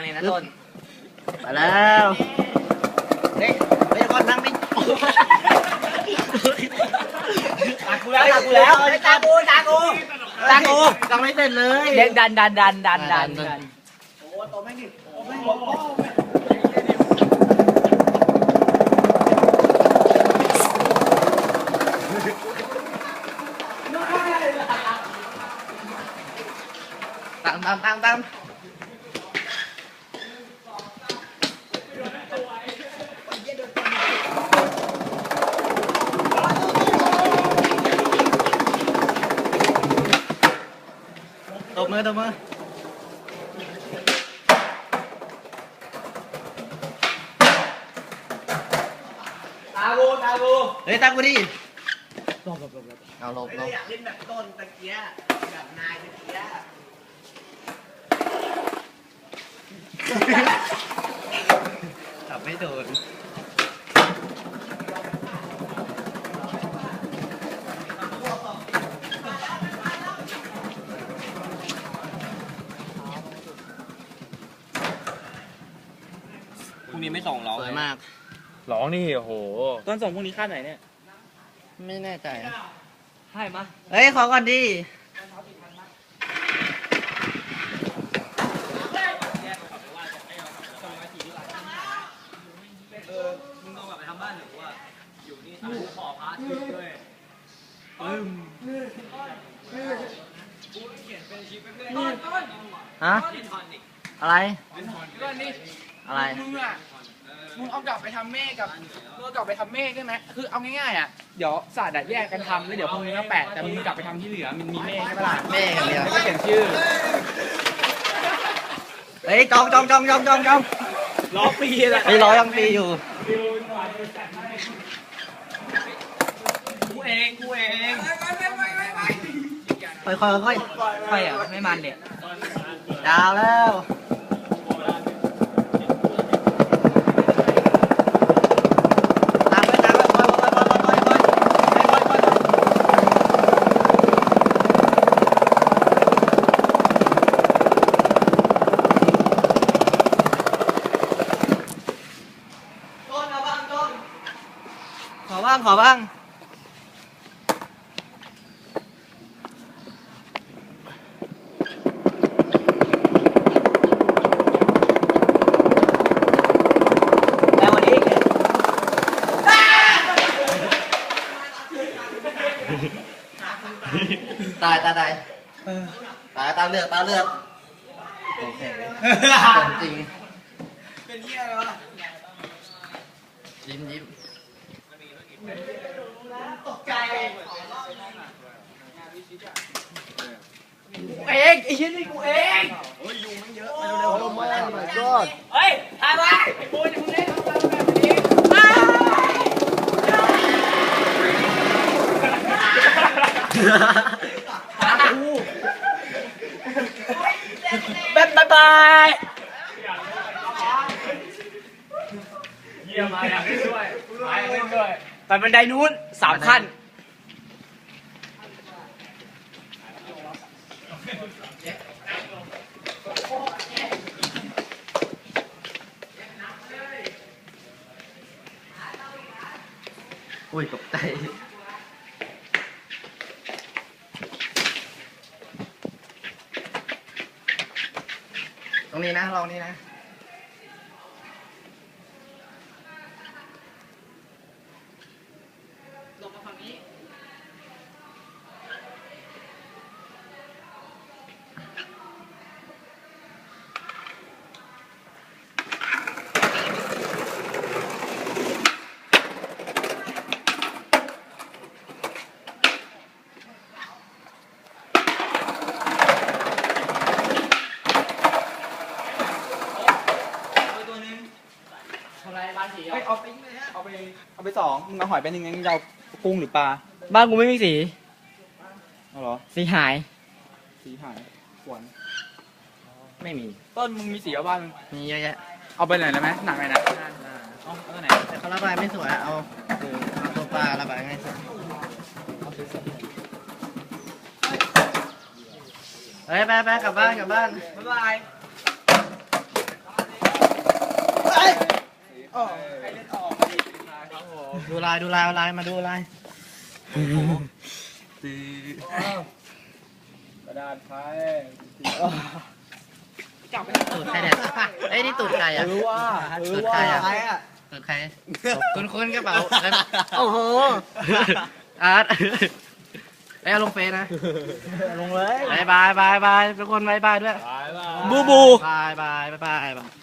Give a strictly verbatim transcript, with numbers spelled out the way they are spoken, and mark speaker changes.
Speaker 1: เลยนะต้น
Speaker 2: ไปแล้วเฮ้ยไปก่อนนั่งดิ
Speaker 1: ตากูแล้วตากูแล้วตากูตากูตากู
Speaker 2: ยังไม่เสร็จเลย
Speaker 1: เด็กดันดันดันดันดันดัน
Speaker 2: โอ้ตัวแม่งดิโอ้แม่งตามตามตามตามตบมือตบมือ
Speaker 1: ตากูตากู
Speaker 2: เฮ้ยตามกูดิ
Speaker 1: หลบหลบหลบหลบ
Speaker 2: เอาหลบหลบ
Speaker 1: อยากเล่นแบบต้นตะเกียแบบนายตะเกีย
Speaker 2: จับไม่โดน
Speaker 1: พรุ่งนี้ไม่ส่งร้อง
Speaker 2: สวยมาก
Speaker 3: ร้องนี่โอ้โห
Speaker 1: ต้นส่งพรุ่งนี้ค่าไหนเนี่ย
Speaker 2: ไม่แน่ใจ
Speaker 1: ให้มา
Speaker 2: เฮ้ยขอก่อนดิ
Speaker 1: เออมึงต้องแบบไปทำบ้านหรือว่าอยู่นี่ทำขอพาร์ทด้วยปึ้มกูเขียนเป็นชีพเป็นต้นต้น
Speaker 2: ฮะ
Speaker 1: เล่นทอนอีก
Speaker 2: อะไร
Speaker 1: เล่นทอน
Speaker 4: ก็นี่
Speaker 2: อะไร
Speaker 4: มึงอ่ะมึงเอากลับไปทำเมฆกับมึงเอากลับไปทำเมฆได้ไหมคือเอาง่ายๆอ่ะเดี๋ยวศาสตร์อะแยกกันทำแล้วเดี๋ยวพรุ่งนี้ก็แปะแต่มึงกลับไปทำที่เหลือมันมีเมฆใช่ปะล่ะ
Speaker 2: เมฆอย่างเดียว
Speaker 4: แล้วก็เขียนชื่อ
Speaker 2: เฮ้ยจองจองจองจองจองจอง
Speaker 1: ล้อปีแหละ
Speaker 2: ไอ้ร้อยยังปีอยู่
Speaker 1: กูเองกูเอง
Speaker 2: ค่อยค่อยค่อย
Speaker 1: ไปอ่ะไม่มันเด็ก
Speaker 2: ดาวแล้วตามไปตามไปค่อยค่อยค่อยค่อยค่อยค่อยค่อยต้นเอาบ้างต้นขอบ้างขอบ้างแล้ววันนี้ตายตายตายตายตาเลือดตาเลือดโอเคของจริง
Speaker 1: เป็นเหี้ยอะไรวะ
Speaker 2: ยิ้มยิ้ม
Speaker 1: ตกใจกูเองไอ้ชิ้นนี่กูเองเฮ้ยยุงมันเยอะมาเร็วๆลงมาแล้ว
Speaker 2: ก็
Speaker 1: เฮ้ยถ่ายไว้ไอ้ปูนมึงเล่นทำแบบนี้บ๊ายบายบายเยี่ยมมาอยากเล่นด้วยมาอยากเล่นด้วยไปบันไดนู้นสามขั้น
Speaker 2: อุ้ยตกใจตรงนี้นะลองนี้นะ
Speaker 1: ลงมาฝั่งนี้ตัวนึงทำอะไรบ้านสี
Speaker 4: เฮ้ยเอาไปเอาไปเอาไปสองมึงเอาหอยไปหนึ่งงั้นเรากุ้งหรือปลา
Speaker 1: บ้านกูไม่มีสี
Speaker 4: เอาเหรอ
Speaker 1: สีหาย
Speaker 4: สีหายขวน
Speaker 2: ไม่มี
Speaker 4: ต้นมึงมีสีเอาบ้าน
Speaker 2: มีเยอะแยะ
Speaker 4: เอาไปไหนได้ไหมหนักไหนนะเอาเอาตัวไหน
Speaker 2: แต่เขาระบายไม่สวยอะเอาเออเอาตัวปลาระบายง่ายสุด
Speaker 4: เอาสวย
Speaker 2: เฮ้ยไปไปกลับบ้านกลับบ้าน
Speaker 1: บ๊ายบาย
Speaker 4: ออกใครเล่นออกใครเล่นมาครับผม
Speaker 2: ดูลายดูลายเอาลายมาดูลาย
Speaker 4: กระดาษไทย
Speaker 2: ตูดใครเนี่ยเอ้ยนี่ตูดใครอ่ะ
Speaker 1: รู้ว่า
Speaker 2: ตูดใครอ่ะ
Speaker 1: ใครอ่ะ
Speaker 2: ตูดใครคุณคุณกระเป๋าโอ้โหอาร์ตไอ้เอาลงเฟซนะ
Speaker 1: ลงเลย
Speaker 2: บายบายบายบายทุกคนบายบายด้วย
Speaker 1: บูบู
Speaker 2: บายบายบายบาย